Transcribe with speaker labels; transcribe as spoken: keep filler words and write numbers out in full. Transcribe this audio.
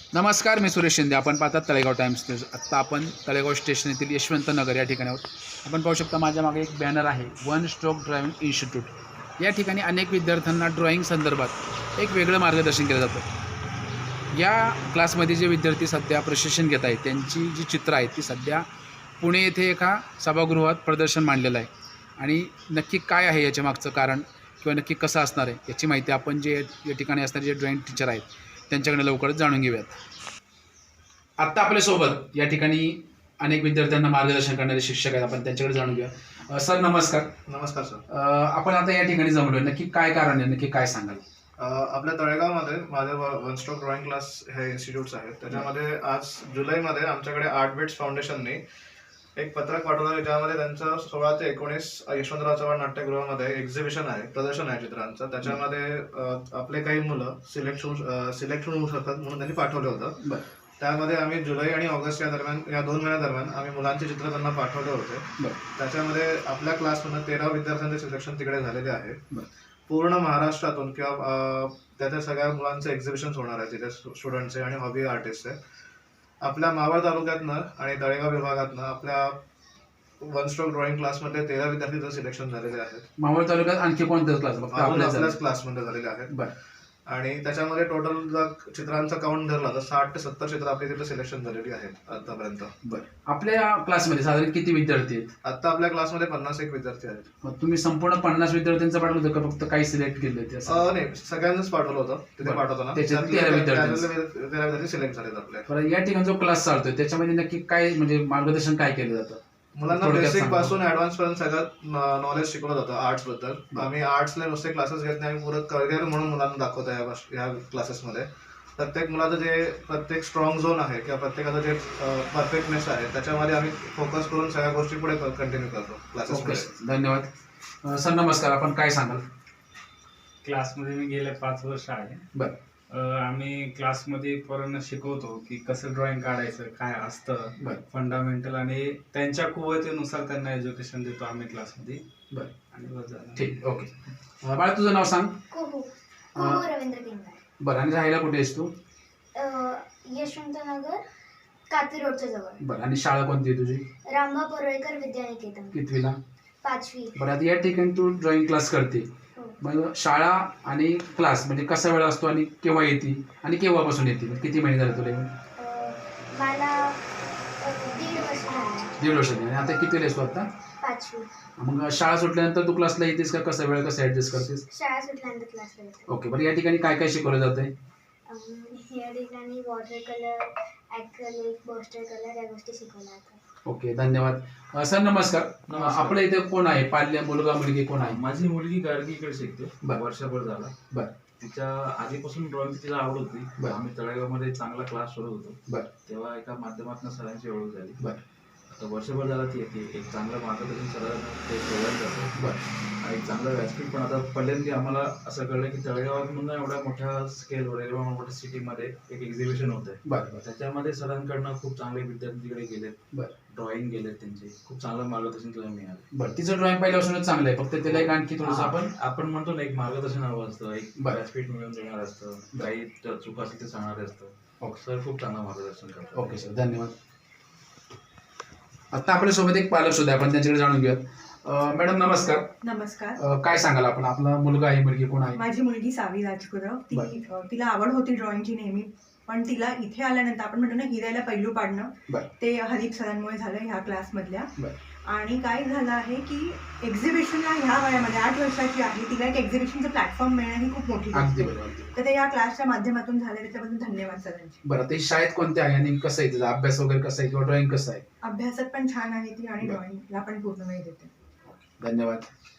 Speaker 1: नमस्कार, मी सुरेश शिंदे. आपण पाहतात तळेगाव टाइम्स न्यूज. आत्ता आपण तळेगाव स्टेशन येथील यशवंत नगर या ठिकाणी आहोत. आपण पाहू शकता माझ्या मागे एक बॅनर आहे, वन स्ट्रोक ड्रायव्हिंग इन्स्टिट्यूट. या ठिकाणी अनेक विद्यार्थ्यांना ड्रॉइंग संदर्भात एक वेगळं मार्गदर्शन केलं जातं. या क्लासमध्ये जे विद्यार्थी सध्या प्रशिक्षण घेत आहेत त्यांची जी चित्र आहेत ती सध्या पुणे येथे एका सभागृहात प्रदर्शन मांडलेलं आहे. आणि नक्की काय आहे याच्या मागचं कारण किंवा नक्की कसं असणार आहे याची माहिती आपण जे या ठिकाणी असणारे जे ड्रॉइंग टीचर आहेत त्यांच्याकडे लवकरच जाणून घेऊयात. आत्ता आपल्यासोबत या ठिकाणी अनेक विद्यार्थ्यांना मार्गदर्शन करणारे शिक्षक आहेत, आपण त्यांच्याकडे जाणून घेऊया. सर नमस्कार.
Speaker 2: नमस्कार सर.
Speaker 1: आपण आता या ठिकाणी जमलोय, नक्की काय कारण आहे, नक्की काय सांगाल?
Speaker 2: आपल्या तळेगावमध्ये माझे वन स्ट्रोक ड्रॉइंग क्लास हे इन्स्टिट्यूट्स आहेत. त्याच्यामध्ये आज जुलैमध्ये आमच्याकडे आर्ट बिट्स फाउंडेशनने एक पत्रक पाठवलं ज्यामध्ये त्यांचं सोळा ते एकोणीस यशवंतराव चव्हाण नाट्यगृहामध्ये एक्झिबिशन आहे, प्रदर्शन आहे चित्रांचं. त्याच्यामध्ये आपले काही मुलं सिलेक्ट होऊ सिलेक्ट होऊ शकतात म्हणून त्यांनी पाठवलं होतं. त्यामध्ये आम्ही जुलै आणि ऑगस्ट या दरम्यान या दोन महिन्यादरम्यान आम्ही मुलांचे चित्र त्यांना पाठवले होते. त्याच्यामध्ये आपल्या क्लासमधून तेरा विद्यार्थ्यांचे सिलेक्शन तिकडे झालेले आहे. पूर्ण महाराष्ट्रातून किंवा त्याच्या सगळ्या मुलांचे एक्झिबिशन्स होणार आहे तिथे, स्टुडंटचे आणि हॉबी आर्टिस्टचे. आपल्या मावळ तालुक्यातनं आणि तळेगाव विभागातनं आपल्या वन स्ट्रोक ड्रॉइंग क्लासमध्ये तेरा विद्यार्थी सिलेक्शन झालेले आहेत.
Speaker 1: मावळ तालुक्यात आणखी कोणत्याच क्लास?
Speaker 2: आपल्याच क्लासमध्ये झालेले आहेत. आणि त्याच्यामध्ये टोटल जर चित्रांचा काउंट धरला तर साठ ते सत्तर चित्र आपली तिथे सिलेक्शन झालेली आहेत आतापर्यंत.
Speaker 1: बरं, आपल्या क्लासमध्ये साधारण किती विद्यार्थी आहेत?
Speaker 2: आता आपल्या क्लासमध्ये पन्नास एक विद्यार्थी आहेत.
Speaker 1: मग तुम्ही संपूर्ण पन्नास विद्यार्थ्यांचं पाठवलं होतं का फक्त काही सिलेक्ट केले ते?
Speaker 2: नाही, सगळ्यांनाच पाठवलं होतं तिथे पाठवताना. तेरा विद्यार्थी सिलेक्ट झालेत आपल्या.
Speaker 1: या ठिकाणी जो क्लास चालतोय त्याच्यामध्ये नक्की काय म्हणजे मार्गदर्शन काय केलं जातं?
Speaker 2: मुलांना बेसिक पासून ऍडव्हान्स पर्यंत सगळं नॉलेज शिकवलं जातं आर्ट्स बद्दल. आम्ही आर्ट्सला नुसते क्लासेस घेत नाही, आम्ही पुरं करिअर म्हणून मुलांना दाखवतो या क्लासेसमध्ये. प्रत्येक मुलाचं जे प्रत्येक स्ट्रॉंग झोन आहे किंवा प्रत्येकाचं जे परफेक्टनेस आहे त्याच्यामध्ये आम्ही फोकस करून सगळ्या गोष्टी पुढे कंटिन्यू करतो क्लासेसमध्ये.
Speaker 1: धन्यवाद. सर नमस्कार, आपण काय सांगाल?
Speaker 3: क्लासमध्ये मी गेले पाच वर्ष आहे.
Speaker 1: बरं.
Speaker 3: आम्ही क्लासमध्ये पोरांना शिकवतो की कसं ड्रॉइंग काढायचं, काय असतं फंडामेंटल, आणि त्यांच्या कुवतीनुसार त्यांना एज्युकेशन देतो आम्ही क्लासमध्ये.
Speaker 1: बरं,
Speaker 3: आणि बस झालं.
Speaker 1: ठीक, ओके. बाळा तुझं नाव सांग.
Speaker 4: रवींद्र किंगार.
Speaker 1: बरं, आणि राहायला कुठे आहेस तू?
Speaker 4: यशवंत नगर, कात्री रोडच्या जवळ.
Speaker 1: बरं, आणि शाळा कोणती आहे तुझी?
Speaker 4: रामबा परोळेकर विद्यानिकेतन.
Speaker 1: कितवीला?
Speaker 4: पाचवी.
Speaker 1: बरं, आता या ठिकाणी तू ड्रॉइंग क्लास करते, मग शाळा आणि क्लास म्हणजे कसा वेळ असतो आणि केव्हा येते आणि केव्हापासून येते? किती महिने झाले तुला?
Speaker 4: मला दीड वर्ष झाले.
Speaker 1: दीड वर्ष झाली. आणि आता किती असतो आता?
Speaker 4: पाचवी.
Speaker 1: मग शाळा सुटल्यानंतर तू क्लासला येतेस का कसा वेळ कसं ऍडजस्ट करतेस?
Speaker 4: शाळा सुटल्यानंतर क्लासला येते.
Speaker 1: ओके. बरं, या ठिकाणी काय काय शिकवलं जातंय?
Speaker 4: या ठिकाणी water colour, acrylic, poster colour या गोष्टी शिकवल्या जातात.
Speaker 1: ओके, धन्यवाद. सर नमस्कार. आपल्या इथे कोण आहे? पाल्य मुलगा मुलगी कोण आहे?
Speaker 5: माझी मुलगी गाडगीकडे शिकते,
Speaker 1: बरं.
Speaker 5: वर्षभर झाला.
Speaker 1: बरं.
Speaker 5: तिच्या आधीपासून ड्रॉइंग तिला आवड होती.
Speaker 1: बरं.
Speaker 5: आम्ही तळेगावमध्ये चांगला क्लास शोधत होतो.
Speaker 1: बरं.
Speaker 5: तेव्हा एका माध्यमातून सरांची ओळख झाली.
Speaker 1: बरं.
Speaker 5: आता वर्षभर झाला ती येते, एक चांगलं मार्गदर्शन सरांना ते प्रोव्हाइड करतो.
Speaker 1: बरं.
Speaker 5: आणि चांगलं व्यासपीठ पण. आता पहिल्यांदा आम्हाला असं कळलं की तळेगावात एवढ्या मोठ्या स्केलवर एवढ्या मोठ्या सिटीमध्ये एक एक्झिबिशन होत आहे.
Speaker 1: बरं.
Speaker 5: त्याच्यामध्ये सरांकडनं खूप चांगले विद्यार्थी तिकडे गेलेत. बरं. ड्रॉइंग गेलेत त्यांचे, खूप चांगलं मार्गदर्शन तिला मिळालं.
Speaker 1: बरं, तिचं ड्रॉइंग पहिल्यापासूनच चांगलं आहे, फक्त त्याला एक आणखी थोडंसं आपण
Speaker 5: आपण म्हणतो ना एक मार्गदर्शन हवं असतं, एक व्यासपीठ मिळून देणार असतं, काही चुका असतील ते सांगणार असतं. ओके सर, खूप चांगलं मार्गदर्शन करतो.
Speaker 1: ओके सर, धन्यवाद. आता आपल्यासोबत एक पालक सुद्धा आपण त्यांच्याकडे जाणून घेऊयात. मॅडम नमस्कार.
Speaker 6: नमस्कार.
Speaker 1: काय सांगाल आपण? आपला मुलगा आहे मुलगी कोण आहे?
Speaker 6: माझी मुलगी सावी राजगुरव. ती तिला आवड होती ड्रॉइंगची नेहमी, पण तिला इथे आल्यानंतर आपण म्हणतो ना हिरायला पैलू पाडणं, ते हरीप सरांमुळे झालं ह्या क्लासमधल्या. आणि काय झालं आहे की एक्झिबिशनला ह्या वयामध्ये आठ वर्षाची आहे, तिला एक एक्झिबिशनचं प्लॅटफॉर्म मिळणं ही खूप मोठी गोष्ट आहे. तर ते या क्लासच्या माध्यमातून झाले, त्याच्याबद्दल धन्यवाद सरांचे.
Speaker 1: बरं, ते शाळेत कोणते आहे आणि कसं आहे तिचा अभ्यास वगैरे कसा आहे किंवा ड्रॉइंग कसं आहे?
Speaker 6: अभ्यासात पण छान आहे ती आणि ड्रॉइंगला पण पूर्ण वेळ देते.
Speaker 1: धन्यवाद.